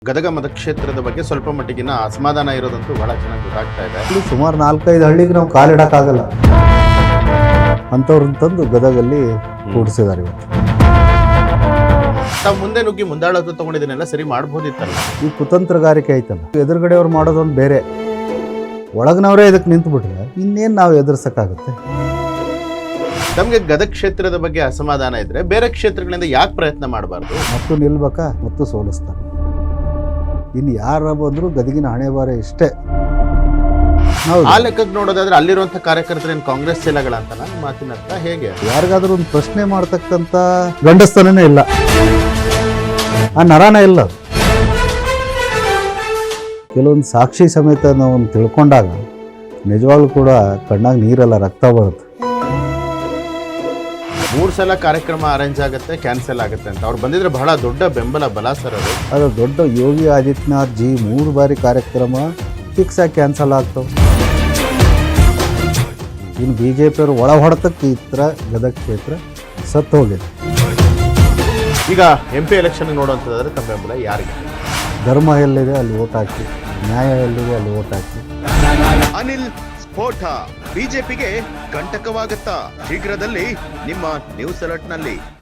ಗದಗ ಮತಕ್ಷೇತ್ರದ ಬಗ್ಗೆ ಸ್ವಲ್ಪ ಮಟ್ಟಿಗಿನ ಅಸಮಾಧಾನ ಇರೋದಂತೂ ಬಹಳ ಚೆನ್ನಾಗಿ ಗೊತ್ತಾಗ್ತಾ ಇದೆ. ಇಲ್ಲಿ ಸುಮಾರು 4-5 ಹಳ್ಳಿಗೆ ನಾವು ಕಾಲಿಡಕ್ಕಾಗಲ್ಲ ಅಂಥವ್ರನ್ನ ತಂದು ಗದಗಲ್ಲಿ ಕೂಡಿಸಿದ್ದಾರೆ ಇವತ್ತು. ತಾವು ಮುಂದೆ ನುಗ್ಗಿ ಮುಂದಾಳತ್ವ ತಗೊಂಡಿದ್ದನ್ನೆಲ್ಲ ಸರಿ ಮಾಡ್ಬೋದಿತ್ತಲ್ಲ. ಈ ಕುತಂತ್ರಗಾರಿಕೆ ಐತಲ್ಲ, ಎದುರುಗಡೆಯವ್ರು ಮಾಡೋದೊಂದು ಬೇರೆ, ಒಳಗಿನವರೇ ಇದಕ್ಕೆ ನಿಂತುಬಿಟ್ರೆ ಇನ್ನೇನು ನಾವು ಎದುರಿಸೋಕ್ಕಾಗುತ್ತೆ. ನಮಗೆ ಗದಗ ಕ್ಷೇತ್ರದ ಬಗ್ಗೆ ಅಸಮಾಧಾನ ಇದ್ರೆ ಬೇರೆ ಕ್ಷೇತ್ರಗಳಿಂದ ಯಾಕೆ ಪ್ರಯತ್ನ ಮಾಡಬಾರ್ದು? ಮತ್ತು ನಿಲ್ಬೇಕಾ ಮತ್ತು ಸೋಲಿಸ್ತಾರೆ. ಇನ್ನು ಯಾರ ಬಂದರೂ ಗದಗಿನ ಹಣೆ ಬಾರ ಇಷ್ಟೇ. ಆ ಲೆಕ್ಕಕ್ಕೆ ನೋಡೋದಾದ್ರೆ ಅಲ್ಲಿರುವಂಥ ಕಾರ್ಯಕರ್ತರೇನು ಕಾಂಗ್ರೆಸ್ ಚೇಲಗಳಂತ ನನ್ನ ಮಾತಿನ ಅರ್ಥ ಹೇಗೆ? ಯಾರಿಗಾದ್ರೂ ಒಂದು ಪ್ರಶ್ನೆ ಮಾಡ್ತಕ್ಕಂಥ ಗಂಡಸ್ತನೇ ಇಲ್ಲ, ಆ ನರಾನೇ ಇಲ್ಲ. ಕೆಲವೊಂದು ಸಾಕ್ಷಿ ಸಮೇತ ನಾವು ತಿಳ್ಕೊಂಡಾಗ ನಿಜವಾಗ್ಲೂ ಕೂಡ ಕಣ್ಣಾಗ ನೀರೆಲ್ಲ ರಕ್ತ ಬರುತ್ತೆ. 3 ಸಲ ಕಾರ್ಯಕ್ರಮ ಅರೇಂಜ್ ಆಗುತ್ತೆ, ಕ್ಯಾನ್ಸಲ್ ಆಗುತ್ತೆ ಅಂತ ಅವ್ರು ಬಂದಿದ್ರೆ ಬಹಳ ದೊಡ್ಡ ಬೆಂಬಲ ಬಲ ಸರ್. ಅದು ದೊಡ್ಡ ಯೋಗಿ ಆದಿತ್ಯನಾಥ್ ಜಿ 3 ಬಾರಿ ಕಾರ್ಯಕ್ರಮ ಫಿಕ್ಸ್ ಆಗಿ ಕ್ಯಾನ್ಸಲ್ ಆಗ್ತವೆ. ಇನ್ನು BJP ಅವರು ಒಳ ಹೊಡೆತಕ್ಕೆ ಈ ಥರ ಗದಗ ಕ್ಷೇತ್ರ ಸತ್ತು ಹೋಗಿದೆ. ಈಗ MP ಎಲೆಕ್ಷನ್ ನೋಡುವಂಥದ್ದಾದ್ರೆ ತಮ್ಮ ಬೆಂಬಲ ಯಾರಿಗೆ? ಧರ್ಮ ಎಲ್ಲಿದೆ ಅಲ್ಲಿ ಓಟ್ ಹಾಕಿ, ನ್ಯಾಯ ಎಲ್ಲಿದೆ ಅಲ್ಲಿ ಓಟ್ ಹಾಕಿ. ಅನಿಲ್ ಸ್ಫೋಟ ಬಿಜೆಪಿಗೆ ಕಂಟಕವಾಗುತ್ತಾ? ಶೀಘ್ರದಲ್ಲಿ ನಿಮ್ಮ ನ್ಯೂಸ್ ಅಲರ್ಟ್ನಲ್ಲಿ.